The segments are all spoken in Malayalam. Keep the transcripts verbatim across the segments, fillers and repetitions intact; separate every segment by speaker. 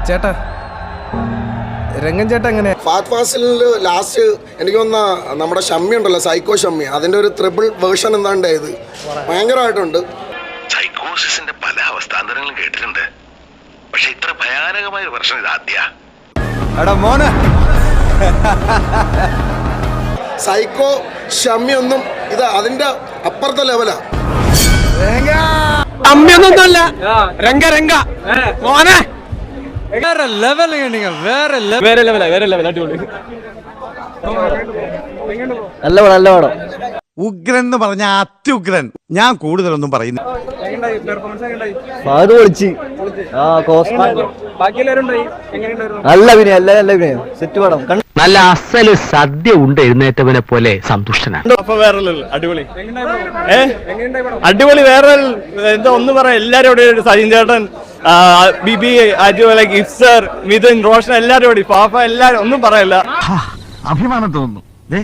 Speaker 1: ചേട്ടാ രംഗൻ ചേട്ടാ എങ്ങനെ
Speaker 2: ഫാത് ഫാസിലിൽ ലാസ്റ്റ് എനിക്ക് തോന്നുന്ന നമ്മുടെ ഷമ്മി ഉണ്ടല്ലോ, സൈക്കോ ഷമ്മി, അതിന്റെ ഒരു ത്രിബിൾ വേർഷൻ എന്താണ്ടായത് ഭയങ്കരമായിട്ടുണ്ട്.
Speaker 3: സൈക്കോസിന്റെ പല അവസ്ഥാന്തരങ്ങളും കേട്ടിട്ടുണ്ട്, പക്ഷെ ഇത്ര ഭയാനകമായ ഒരു പ്രശ്നം ഇതാദ്യ.
Speaker 1: എടാ മോനെ,
Speaker 2: സൈക്കോ ഷമ്മി ഒന്നും ഇത് അതിന്റെ അപ്പുറത്തെ ലെവലാ.
Speaker 1: അമ്മയൊന്നല്ല രംഗ രംഗ മോനെ വേറെ ലെവൽ, വേറെ വേറെ ലെവല വേറെ ലെവൽ അടിപൊളി.
Speaker 4: നല്ല പടം നല്ല പടം.
Speaker 5: ഉഗ്രൻ എന്ന് പറഞ്ഞ അത്യുഗ്രൻ. ഞാൻ കൂടുതലൊന്നും പറയുന്നു.
Speaker 4: അത് പൊളിച്ച്. ആ നല്ല അഭിനയം, നല്ല നല്ല അഭിനയം. സെറ്റ് പടം.
Speaker 6: നല്ല അസല് സദ്യ ഉണ്ട് എഴുന്നേറ്റവനെ പോലെ സന്തുഷ്ടനാണ്.
Speaker 7: അടിപൊളി അടിപൊളി വേറെ എന്താ ഒന്നും പറയാം. എല്ലാരും സജിൻ ചേട്ടൻ, ബിബി, അതുപോലെ ഗിഫ്സർ, മിഥുൻ, റോഷൻ, എല്ലാരും കൂടി, പാപ്പ, എല്ലാരും ഒന്നും പറയല്ല.
Speaker 6: അഭിമാനം തോന്നുന്നു.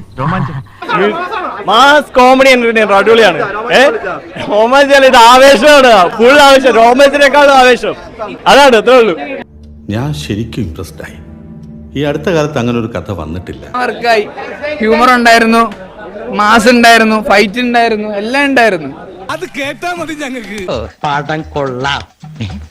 Speaker 7: മാസ് കോമഡി എന്റർടൈനർ അടിപൊളിയാണ്. ഏഹ് റോമാഞ്ച് ഇത് ആവേശമാണ്, ഫുൾ ആവേശം, റോമാൻസിനേക്കാളും ആവേശം. അതാണ് അത്രേ ഉള്ളൂ.
Speaker 8: ഞാൻ ശരിക്കും ഇംപ്രസ്ഡ് ആയി. ഈ അടുത്ത കാലത്ത് അങ്ങനെ ഒരു കഥ വന്നിട്ടില്ല.
Speaker 9: ഹ്യൂമർ ഉണ്ടായിരുന്നു, മാസ് ഉണ്ടായിരുന്നു, ഫൈറ്റ് ഉണ്ടായിരുന്നു, എല്ലാം ഉണ്ടായിരുന്നു.
Speaker 1: അത് കേട്ടാ മതി ഞങ്ങൾക്ക്.
Speaker 6: പടം കൊള്ളാം.